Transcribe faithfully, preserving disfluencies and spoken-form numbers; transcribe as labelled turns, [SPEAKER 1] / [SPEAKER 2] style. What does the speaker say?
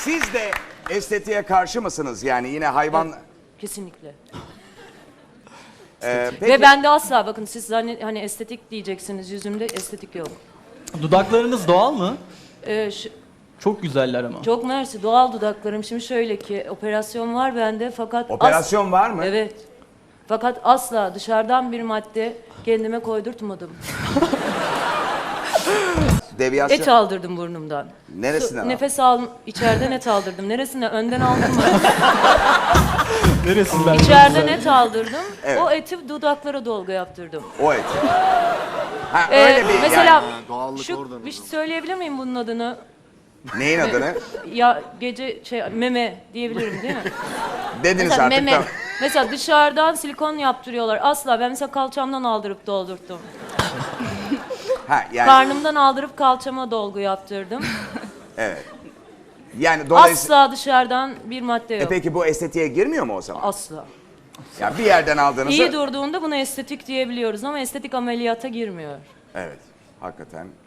[SPEAKER 1] Siz de estetiğe karşı mısınız? Yani yine hayvan...
[SPEAKER 2] Evet, kesinlikle.
[SPEAKER 1] Ee, peki,
[SPEAKER 2] Ve ben de asla, bakın siz hani, hani estetik diyeceksiniz, yüzümde estetik yok.
[SPEAKER 3] Dudaklarınız doğal mı?
[SPEAKER 2] Ee, şu,
[SPEAKER 3] Çok güzeller ama.
[SPEAKER 2] çok mersi, doğal dudaklarım. Şimdi şöyle ki, operasyon var bende fakat...
[SPEAKER 1] operasyon var mı?
[SPEAKER 2] Evet. Fakat asla dışarıdan bir madde kendime koydurtmadım.
[SPEAKER 1] Deviyasyon...
[SPEAKER 2] Et aldırdım burnumdan.
[SPEAKER 1] Neresinden aldın?
[SPEAKER 2] Nefes al, içeriden et aldırdım. Neresinden? Önden aldım mı?
[SPEAKER 3] Neresinden?
[SPEAKER 2] İçeriden et aldırdım.
[SPEAKER 1] Evet.
[SPEAKER 2] O eti dudaklara dolgu yaptırdım.
[SPEAKER 1] O et. Ha
[SPEAKER 2] Ee,
[SPEAKER 1] öyle bir
[SPEAKER 2] mesela
[SPEAKER 1] yani.
[SPEAKER 4] doğallık
[SPEAKER 2] şu
[SPEAKER 4] oradan
[SPEAKER 2] bir şey söyleyebilir miyim bunun adını?
[SPEAKER 1] Neyin adını?
[SPEAKER 2] Ya gece şey meme diyebilirim değil mi?
[SPEAKER 1] Dediniz
[SPEAKER 2] Mesela
[SPEAKER 1] artık
[SPEAKER 2] meme.
[SPEAKER 1] tamam.
[SPEAKER 2] Mesela dışarıdan silikon yaptırıyorlar. Asla, ben mesela kalçamdan aldırıp doldurttum.
[SPEAKER 1] Ha yani
[SPEAKER 2] Karnımdan aldırıp kalçama dolgu yaptırdım.
[SPEAKER 1] evet. Yani dolayısıyla...
[SPEAKER 2] Asla dışarıdan bir madde
[SPEAKER 1] E
[SPEAKER 2] yok.
[SPEAKER 1] peki bu estetiğe girmiyor mu o zaman?
[SPEAKER 2] Asla.
[SPEAKER 1] Ya bir yerden aldığınızı...
[SPEAKER 2] İyi durduğunda buna estetik diyebiliyoruz ama estetik ameliyata girmiyor.
[SPEAKER 1] Evet. Hakikaten